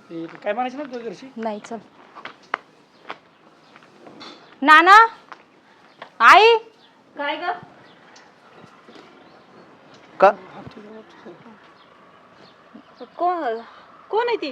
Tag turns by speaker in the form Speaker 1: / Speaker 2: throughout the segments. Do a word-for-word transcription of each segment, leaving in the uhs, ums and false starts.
Speaker 1: काय म्हणायचं ना तुझ्या घरची?
Speaker 2: नाही चल. नाना आई
Speaker 3: काय ग
Speaker 4: का
Speaker 3: कोण कोण आहे ती?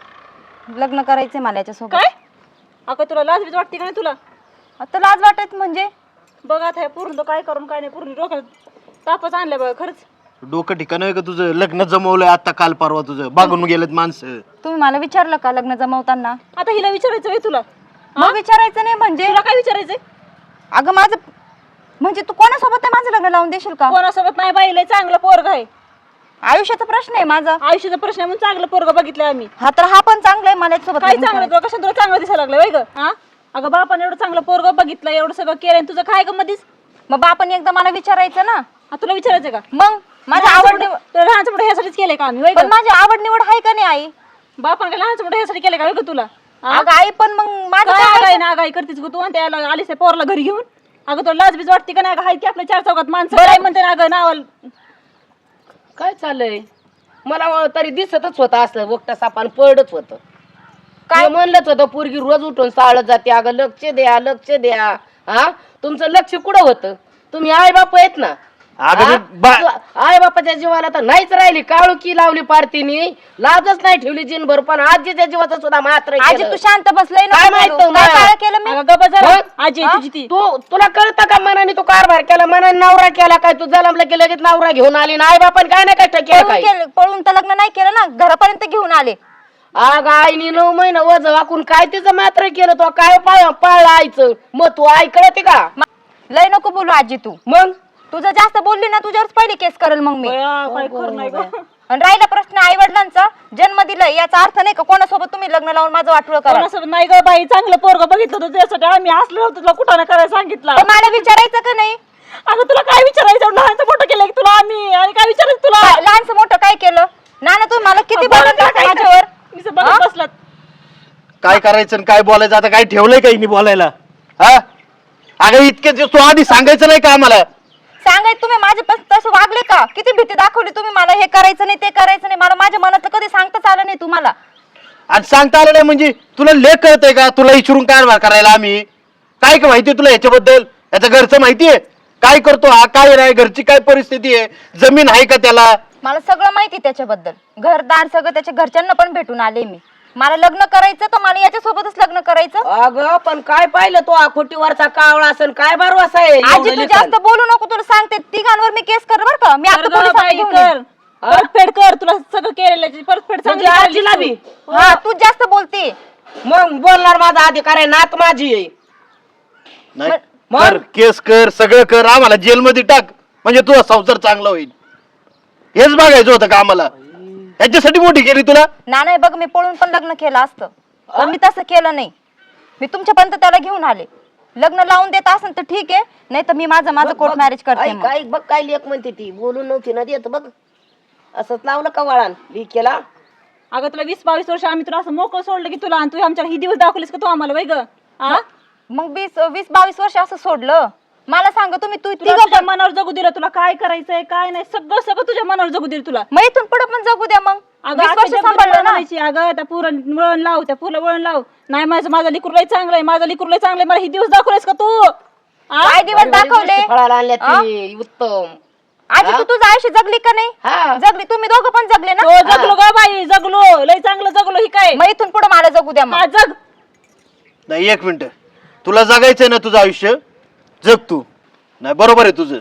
Speaker 2: लग्न करायचंय मला याच्यासोबत.
Speaker 3: काय अगं तुला लाज बीज वाटते का नाही तुला?
Speaker 2: आता लाज वाटत म्हणजे
Speaker 3: बघ आता हे पूर्ण काय करून काय नाही पूर्ण डोक्यात तापच आणलं बघ खरंच.
Speaker 4: डोकं ठिकाण आहे का तुझं? लग्न जमवलंय आता काल परवा तुझं, बागून गेलेत माणसं.
Speaker 2: तुम्ही मला विचारलं का लग्न जमवताना?
Speaker 3: आता हिला विचारायचं आहे तुला?
Speaker 2: मग विचारायचं नाही म्हणजे?
Speaker 3: तुला काय विचारायचंय?
Speaker 2: अगं माझं म्हणजे तू कोणासोबत आहे माझं लग्न लावून देशील का?
Speaker 3: कोणासोबत नाही बाई, लय चांगलं पोरग आहे.
Speaker 2: आयुष्याचा प्रश्न आहे माझा.
Speaker 3: आयुष्याचा प्रश्न आहे म्हणून चांगलं पोरग बघितलं आम्ही.
Speaker 2: हा तर हा पण चांगला आहे मला याच्यासोबत
Speaker 3: काय
Speaker 2: लग्न
Speaker 3: चांगलं
Speaker 2: करायचं.
Speaker 3: तुला कशा तुला चांगलं दिसायला लागलं वय ग? हा अगं बापाने एवढं चांगलं पोरग बघितलं, एवढं सगळं केलं आणि तुझं काय ग मधीच?
Speaker 2: मग बापाने एकदा मला विचारायचं ना.
Speaker 3: हा, तुला विचारायचं का?
Speaker 2: मग माझी आवड निवड
Speaker 3: तुला लहानचं मोठं ह्यासाठीच केलंय का आम्ही वय
Speaker 2: पण
Speaker 3: ग?
Speaker 2: माझी आवड निवड आहे का नाही आई?
Speaker 3: बापाने काय लहानचं मोठं ह्यासाठी केलंय का वय ग तुला? हा?
Speaker 2: अगं आई पण मग माझं
Speaker 3: काय
Speaker 2: काय
Speaker 3: आगाई ना आगाई करतेस ग तू आणि त्याला आलीस त्या पोरला घरी घेऊन? अगं तुला लाज बीज वाटते का नाही? हाय की आपल्या चार चौकात माणसं काय म्हणते ना अगं नावाला.
Speaker 5: काय चाललंय? मला तरी दिसतच होतं असं वक्ता सापान पडच होतं. काय म्हणलंच होतं पोरगी रोज उठून साळत जाते. अगं लक्ष द्या लक्ष द्या. हा तुमचं लक्ष कुठं होतं? तुम्ही आई बाप आहेत ना.
Speaker 4: अगं मी बा-
Speaker 5: आई बापाच्या जीवाला तर नाहीच राहिली. काळुकी लावली पारतीने, लाजच नाही ठेवली जिनभर. पण आजीच्या जीवाचं सुद्धा मात्र
Speaker 2: आजी तू शांत बसलंय ना.
Speaker 5: काय माहित
Speaker 2: बोलू.
Speaker 5: तुम्हाला?
Speaker 2: काय काळं केलं मी?
Speaker 3: अगं गप्प जरा.
Speaker 5: मग?
Speaker 3: आजी आहे तुझी ती.
Speaker 5: तू तुला कळतं का मनाने तू कारभार केला, मनाने नवरा केला काय? तू जलमला की लगेच नवरा घेऊन आली ना. आई बापाने काय नाही कष्ट केलं
Speaker 2: पळून
Speaker 5: काय?
Speaker 2: केलं- पळून तर लग्न नाही केलं ना, घरापर्यंत घेऊन आले.
Speaker 5: अग आईने नऊ महिना वज वाकून काय तिचं मात्र केलं? तो काय पाळ पाळलं आईचं? मग तू आई कळते का?
Speaker 2: लय नको बोलू आजी तू.
Speaker 5: मग
Speaker 2: तुझं जास्त बोलली ना तुझ्यावरच पहिली केस करेल मग मी.
Speaker 3: बया, काय खरं नाही ग.
Speaker 2: आणि राहिला प्रश्न आई वडिलांचा, जन्म दिलाय याचा अर्थ नाही का कोणासोबत तुम्ही लग्न लावून माझं वाटलं करा.
Speaker 3: कोणासोबत नाही ग बाई, चांगलं पोरग बघितलं होतं त्यासाठी आम्ही असलो होतो तुला कुठं नाही करायला सांगितलं.
Speaker 2: पण मला विचारायचं का नाही?
Speaker 3: अगं तुला काय विचारायचं? लहानचं मोठं केलं की तुला आम्ही, आणि काय विचारायचं तुला?
Speaker 2: काय लहानचं मोठं काय केलं? नाना तुम्ही मला किती
Speaker 3: बरं,
Speaker 2: बोलत
Speaker 3: तुला काय
Speaker 2: माझ्यावर?
Speaker 3: मी असं बघत
Speaker 2: हा?
Speaker 3: बसलात.
Speaker 4: काय करायचं आणि काय बोलायचं? आता काय ठेवलंय काही नाही बोलायला? हा अगं इतके दिवस तू आधी सांगायचं नाही का आम्हाला?
Speaker 2: सांगाय तुम्ही माझे पण तसं वागले का? किती भीती दाखवली तुम्ही मला, हे करायचं नाही ते करायचं नाही. मला माझ्या मनातलं कधी सांगताच आलं नाही तुम्हाला.
Speaker 4: आणि सांगता आलं नाही म्हणजे तुला लेख कळतंय का? तुला इचरून कारभार करायला आम्ही काय का माहितीये तुला ह्याच्याबद्दल? याचं घरचं माहितीये काय करतो हा, काय नाही, घरची काय परिस्थिती आहे, जमीन आहे का त्याला?
Speaker 2: मला सगळं माहिती त्याच्याबद्दल, घरदार सगळं त्याच्या घरच्यांना पण भेटून आले मी. मला लग्न करायचं तर मला याच्यासोबतच लग्न करायचं.
Speaker 5: अगं पण काय पाहिलं तो आखोटीवरचा कावळा असन काय भरवसा आहे?
Speaker 2: आजी
Speaker 5: एवढं
Speaker 2: तू
Speaker 5: लेकरं.
Speaker 2: जास्त बोलू नको, तुला सांगते तिघांवर मी केस कर बर का. मी आता
Speaker 3: कर ग
Speaker 2: पोलिसात
Speaker 3: बाई,
Speaker 2: घेऊन
Speaker 3: कर
Speaker 2: येईन.
Speaker 3: परतफेड कर. तुला सगळं केलेलं परतफेड
Speaker 5: म्हणजे
Speaker 3: चांगली
Speaker 5: आजीला
Speaker 3: करायला
Speaker 5: बी?
Speaker 3: तू.
Speaker 2: हा तू जास्त बोलते.
Speaker 5: मग बोलणार माझा अधिकार आहे, नात माझी आहे.
Speaker 4: नाही
Speaker 5: मग?
Speaker 4: कर, केस कर, सगळं कर, आम्हाला जेलमध्ये टाक म्हणजे तुझा संसार चांगला होईल. हेच बघायचं होतं का आम्हाला? याच्यासाठी मोठी केली तुला?
Speaker 2: ना नाही बघ, मी पळून पण लग्न केलं असतं पण मी तसं केलं नाही. मी तुमच्यापर्यंत त्याला घेऊन आले. लग्न लावून देत असेल तर ठीक आहे, नाही तर मी माझं माझं कोर्ट मॅरेज करते.
Speaker 5: आई,
Speaker 2: मग.
Speaker 5: काय बघ काय लेख म्हणते ती, बोलून नव्हती ना देत बघ. असंच लावलं का वळण ली केला?
Speaker 3: अगं तुला वीस बावीस वर्ष आम्ही तुला असं मोकळं सोडलं की तुला, आणि तू आमच्या ही दिवस दाखवलीस का तू आम्हाला वय ग? हा?
Speaker 2: मग वीस वीस बावीस वर्ष असं सोडलं? मला सांग तुम्ही तू
Speaker 3: तुला
Speaker 2: तिघं
Speaker 3: तुझ्या
Speaker 2: पण-
Speaker 3: मनावर जगू दिलं, तुला काय करायचंय काय नाही सगळं सगळं तुझ्या मनावर जगू दिलं तुला.
Speaker 2: मग इथून पुढे पण जगू द्या. मग
Speaker 3: अगं
Speaker 2: वीस
Speaker 3: आता
Speaker 2: वर्ष
Speaker 3: जगभर
Speaker 2: सांभाळलं ना.
Speaker 3: म्हणायची, अगं त्या पुरण वळण लाव, त्या फुलं वळण लाव. नाही माझं माझं लिकूर लय चांगलंय, माझं लिकूर लय चांगलंय, मला ही दिवस दाखवलेस का तू? हा?
Speaker 2: काय दिवस दाखवले?
Speaker 5: फळाला आणल्या ती उत्तम.
Speaker 2: आजी तू तुझं आयुष्य जगली का नाही?
Speaker 5: हा
Speaker 2: जगली. तुम्ही दोघं पण जगले ना.
Speaker 3: हो जगलो ग बाई, जगलो लय चांगलं जगलो. ही काय
Speaker 2: मग इथून पुढे मला जगू द्या. मग
Speaker 3: हा, जग.
Speaker 4: नाही एक मिनिट, तुला जगायचंय ना तुझं आयुष्य, जग तू. नाही बरोबर आहे तुझं,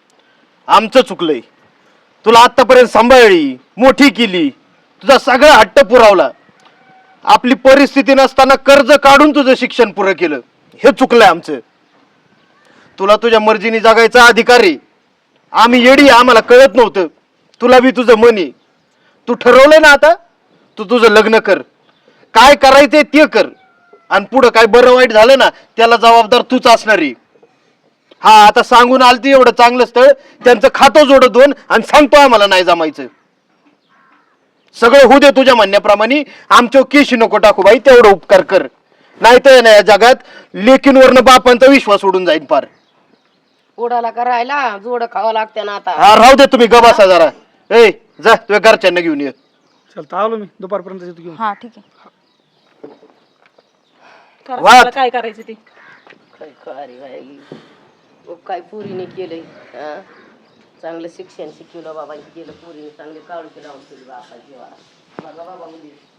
Speaker 4: आमचं चुकलंय. तुला आतापर्यंत सांभाळली, मोठी केली, तुझा सगळा हट्ट पुरवला. आपली परिस्थिती नसताना कर्ज काढून तुझं शिक्षण पुरं केलं, हे चुकलंय आमचं. तुला तुझ्या मर्जीने जगायचा अधिकार आहे. आम्ही येडी, आम्हाला कळत नव्हतं. तुला बी तुझं मन आहे. तू ठरवलंय ना आता, तू तुझं लग्न कर, काय करायचंय ते कर, आणि पुढं काय बरं वाईट झालं ना त्याला जबाबदार तूच असणार आहे. हा आता सांगून आलती एवढं चांगलं स्थळ, त्यांचं खातं जोडत दोन आणि सांगतो आम्हाला नाही जमायचं. सगळं होऊ दे तुझ्या म्हणण्याप्रमाणे, आमच्या केशी नको टाकू बाई, तेवढं उपकार कर. नाही तर ना या जगात लेकींवरनं बापांचा विश्वास उडून जाईल पार.
Speaker 5: उडाला करायला जोड खावं लागते ना आता.
Speaker 4: हा राहू दे तुम्ही, गबासा जरा. ए जा तुझ्या घरच्यांना घेऊन ये.
Speaker 1: चल आलो मी दुपारपर्यंत येतो घेऊन.
Speaker 2: हा ठीक आहे.
Speaker 3: करा
Speaker 4: वाट.
Speaker 3: मला काय करायचं ते.
Speaker 5: काय खरी बाई ओ, काय पुरीने केलंय हा? चांगलं शिक्षण शिकवलं बाबा केलं पुरीने चांगले काळू लावून केली बाबा जीवा बघा बाबा मुली